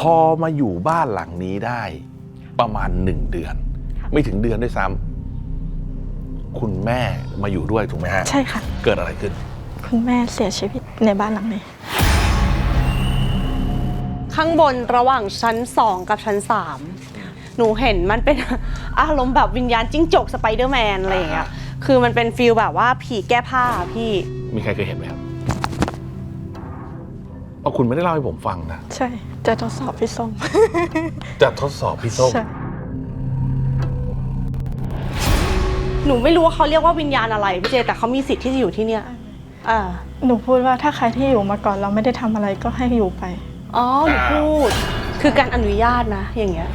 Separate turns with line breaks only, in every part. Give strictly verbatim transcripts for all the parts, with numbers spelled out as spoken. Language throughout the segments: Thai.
อมาอยู่บ้านหลังนี้ได้ประมาณหนึ่งเดือน ไม่ถึงเดือนด้วยซ้ำคุณแม่มาอยู่ด้วยถูกไหมฮะ
ใช่ค่ะ
เกิดอะไรขึ้น
คุณแม่เสียชีวิตในบ้านหลังนี้
ข้างบนระหว่างชั้นสองกับชั้นสามหนูเห็นมันเป็น อารมณ์แบบวิญญาณจิ้งจกสไปเดอร์แมนอะไรอย่างเงี้ยคือมันเป็นฟีลแบบว่าผีแก้ผ้าพี่
มีใครเคยเห็นไหมครับเอาคุณไม่ได้เล่าให้ผมฟังนะ
ใช่จะทดสอบพี่ส้ม
จะทดสอบพี่ส้ม
หนูไม่รู้ว่าเขาเรียกว่าวิญญาณอะไรพี่เจแต่เขามีสิทธิ์ที่จะอยู่ที่เนี่ยอ่า
หนูพูดว่าถ้าใครที่อยู่มาก่อนเราไม่ได้ทำอะไรก็ให้อยู่ไป
อ๋อหนูพูดคือการอนุญาตนะอย่างเงี้ย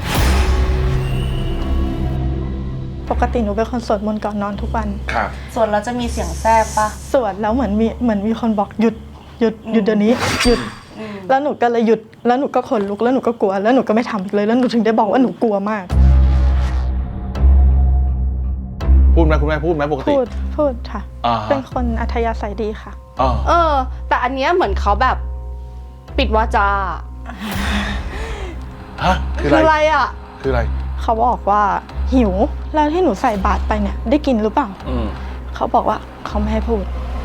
ปกติหนูเป็นคนสวดมนต์ก่อนนอนทุกวัน
ครับ
ส่วนเราจะมีเสียงแทรกปะ
สวดแล้วเหมือนมีเหมือนมีคนบอกหยุดหยุดหยุดเดี๋ยวนี้หยุดแล้วหนูก็เลยหยุดแล้วหนูก็ขนลุกแล้วหนูก็กลัวแล้วหนูก็ไม่ทำอีกเลยแล้วหนูถึงได้บอกว่าหนูกลัวมาก
พูดไหมคุณแม่พูดไหมปกติ
พูดพูดค่ะเป็นคนอัธยาศัยดีค่ะ
เออแต่อันเนี้ยเหมือนเขาแบบปิดวาจา
ฮะคือ
อะไรอ่ะ
คืออะไร
เขาบอกว่าหิวแล้วที่หนูใส่บาตรไปเนี่ยได้กินหรือเปล่าเขาบอกว่าเขาไม่ให้พูด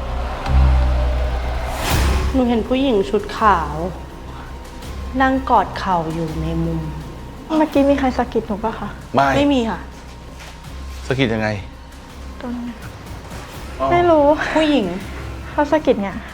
หนูเห็นผู้หญิงชุดขาวนั่งกอดเข่าอยู่ในมุม
เมื่อกี้มีใครสะกิดหนูป่ะคะ
ไม่
ไม่มีค่ะ
สะกิดยังไง
ตรงนี้ไม่รู้
ผู้หญิง
เขาสะกิดเนี่ย